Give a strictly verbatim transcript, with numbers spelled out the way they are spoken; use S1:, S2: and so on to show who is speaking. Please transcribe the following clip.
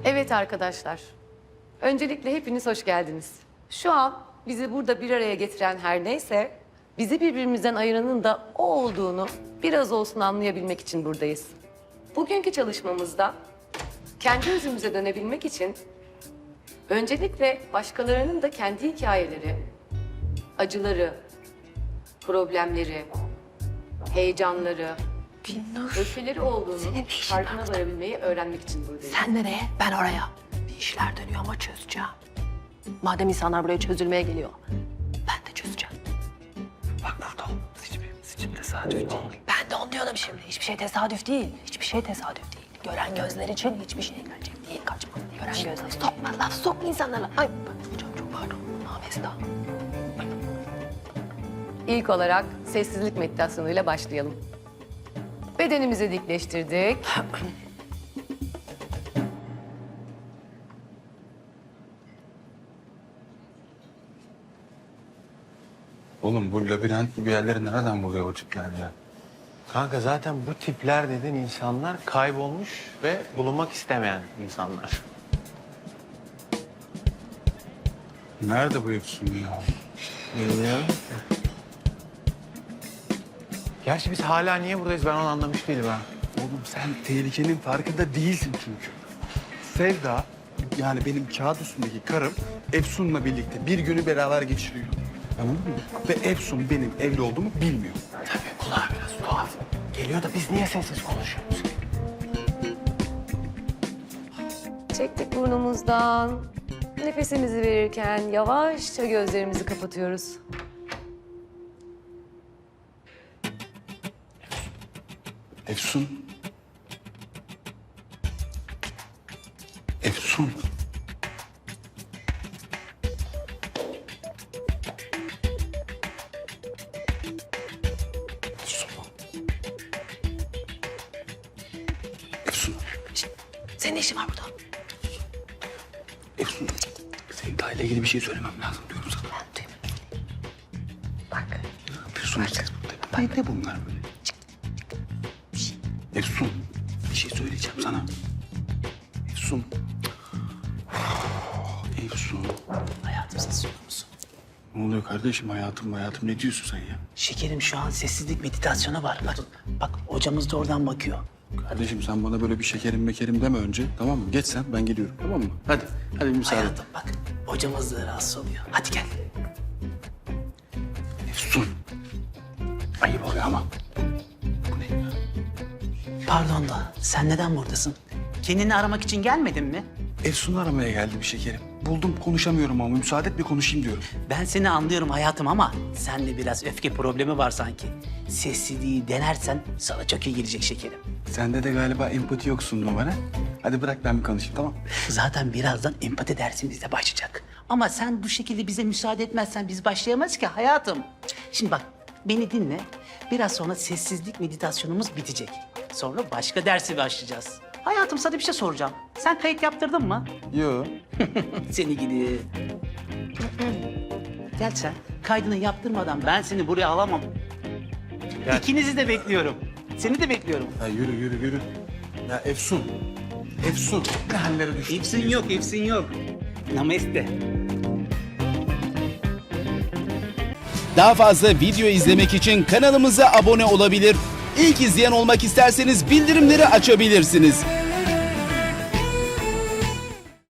S1: Evet arkadaşlar, öncelikle hepiniz hoş geldiniz. Şu an bizi burada bir araya getiren her neyse, bizi birbirimizden ayıranın da o olduğunu biraz olsun anlayabilmek için buradayız. Bugünkü çalışmamızda kendi özümüze dönebilmek için öncelikle başkalarının da kendi hikayeleri, acıları, problemleri, heyecanları,
S2: Binnur,
S1: öfkeleri olduğunu
S2: senin ne işin
S1: farkına
S2: var?
S1: varabilmeyi öğrenmek için buradayız.
S2: sen nereye? Ben oraya. Bir işler dönüyor ama çözeceğim. Madem insanlar buraya çözülmeye geliyor, ben de çözeceğim.
S3: Bak burada hiçbirimiz için tesadüf değil.
S2: Ben de onu diyorum şimdi. Hiçbir şey tesadüf değil. Hiçbir şey tesadüf değil. Gören gözler için hiçbir şey gerçek değil. Kaçma. Gören gözler. Sokma laf, sokma insanlara. Ay hocam çok pardon. Nafesta.
S1: İlk olarak sessizlik meditasyonuyla başlayalım. Bedenimizi dikleştirdik.
S4: Oğlum bu labirent gibi yerleri nereden buluyor o tipler ya?
S3: Kanka zaten bu tipler dediğin insanlar kaybolmuş ve bulunmak istemeyen insanlar.
S4: Nerede bu Efsun ya?
S3: Bilmiyorum. Gerçi biz hala niye buradayız ben onu anlamış değilim ha.
S4: Oğlum sen tehlikenin farkında değilsin çünkü. Sevda, yani benim kağıt üstündeki karım Efsun'la birlikte bir günü beraber geçiriyor. Tamam mı? Ve Efsun benim evli olduğumu bilmiyor.
S3: Tabii kulağa biraz tuhaf. Geliyor da biz niye sessiz konuşuyoruz?
S1: Çektik burnumuzdan. Nefesimizi verirken yavaşça gözlerimizi kapatıyoruz.
S4: Efsun. Efsun. Efsun. Efsun.
S2: Senin ne işin var burada?
S4: Efsun. Sevda ile ilgili bir şey söylemem lazım diyorum sana.
S2: Ben duymadım. Bak.
S4: Ne yapıyorsun? Bak. Ne bunlar böyle? Efsun, bir şey söyleyeceğim sana. Efsun. Efsun.
S5: Hayatım ses olur musun?
S4: Ne oluyor kardeşim? Hayatım hayatım ne diyorsun sen ya?
S5: Şekerim şu an sessizlik meditasyonu var. Bak, bak hocamız da oradan bakıyor.
S4: Kardeşim sen bana böyle bir şekerim mekerim deme önce. Tamam mı? Geç sen ben geliyorum tamam mı? Hadi. Hadi bir müsaade.
S5: Hayatım bak hocamız da rahatsız oluyor. Hadi gel.
S4: Efsun. Ayıp oluyor ama. Bu ne ya?
S5: Pardon da sen neden buradasın? Kendini aramak için gelmedin mi?
S4: Efsun'u aramaya geldim şekerim. Buldum konuşamıyorum ama müsaade et bir konuşayım diyorum.
S5: Ben seni anlıyorum hayatım ama sende biraz öfke problemi var sanki. Sessizliği denersen sana çok iyi gelecek şekerim.
S4: Sende de galiba empati yoksun numara. Hadi bırak ben bir konuşayım tamam mı?
S5: Zaten birazdan empati dersimiz de başlayacak. Ama sen bu şekilde bize müsaade etmezsen biz başlayamayız ki hayatım. Şimdi bak beni dinle. Biraz sonra sessizlik meditasyonumuz bitecek. Sonra başka dersi başlayacağız. Hayatım sana bir şey soracağım. Sen kayıt yaptırdın mı?
S4: Yo.
S5: Seni gidi. Gel sen. Kaydını yaptırmadan ben seni buraya alamam. İkinizi de bekliyorum. Seni de bekliyorum.
S4: Ya yürü yürü yürü. Ya Efsun. Efsun. Ne hallere düştün?
S5: Hepsin yok, hepsin yok. Namaste.
S6: Daha fazla video izlemek için kanalımıza abone olabilir. İlk izleyen olmak isterseniz bildirimleri açabilirsiniz.